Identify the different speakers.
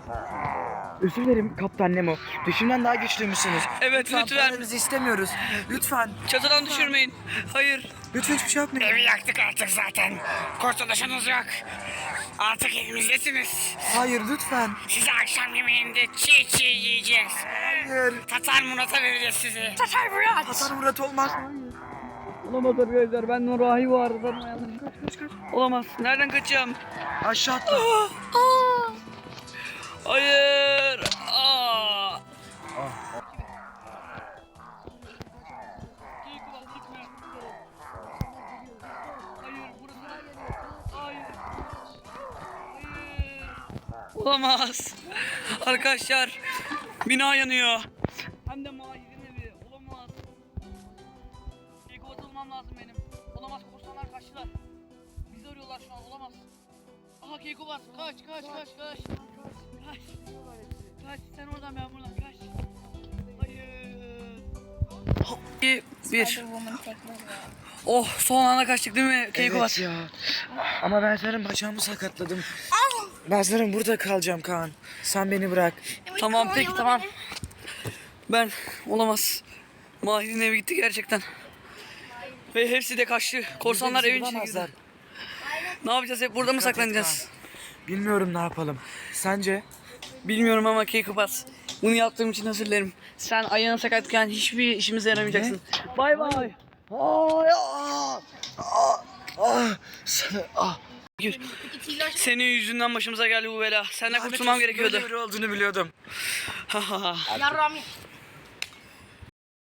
Speaker 1: Özür dilerim Kaptan Nemo. Düşünden daha güçlüymüşsünüz.
Speaker 2: Evet lütfen.
Speaker 1: Paranızı istemiyoruz. Lütfen.
Speaker 2: Çatıdan düşürmeyin. Hayır.
Speaker 1: Lütfen hiçbir şey yapmayın.
Speaker 3: Evi yaktık artık zaten. Kurtuluşunuz yok. Artık evimizdesiniz.
Speaker 1: Hayır lütfen.
Speaker 3: Size akşam yemeğinde çiğ çiğ yiyeceğiz.
Speaker 1: Hayır.
Speaker 3: Tatar Murat'a vereceğiz sizi.
Speaker 1: Hasan Murat olmaz.
Speaker 2: Olamaz arkadaşlar. Ben Nurahi var. Kaç. Olamaz. Nereden kaçacağım?
Speaker 1: Aşağı atla.
Speaker 2: Hayır. Olamaz. Arkadaşlar bina yanıyor. Hem de Mahir'in evi. Olamaz. Keykubat olmam lazım benim. Olamaz, korsanlar kaçtılar. Bizi arıyorlar şu an, olamaz. Aha Keykubat, kaç. Kaç, sen oradan ben buradan, kaç. Hayır. Bir. Oh, son anda kaçtık değil mi Keykubat?
Speaker 1: Evet ya. Ama ben senin bacağımı sakatladım. Ben sanırım burada kalacağım Kaan. Sen beni bırak.
Speaker 2: Tamam peki tamam. Ben olamaz. Mahir'in evi gitti gerçekten. Ve hepsi de kaçtı. Korsanlar
Speaker 1: Bizi
Speaker 2: evin içine
Speaker 1: bulamazlar.
Speaker 2: girdi. Ne yapacağız, hep burada mı
Speaker 1: Dikkat et
Speaker 2: saklanacağız?
Speaker 1: Bilmiyorum ne yapalım. Sence?
Speaker 2: Bilmiyorum ama Keykubat. Bunu yaptığım için özür dilerim. Sen ayağını sakatken hiçbir işimize yaramayacaksın. Bay bay.
Speaker 1: Hayır.
Speaker 2: Gir. Senin yüzünden başımıza geldi bu bela. Senden kurtulmam gerekiyordu.
Speaker 1: Böyle biri olduğunu biliyordum.
Speaker 4: Yarrami.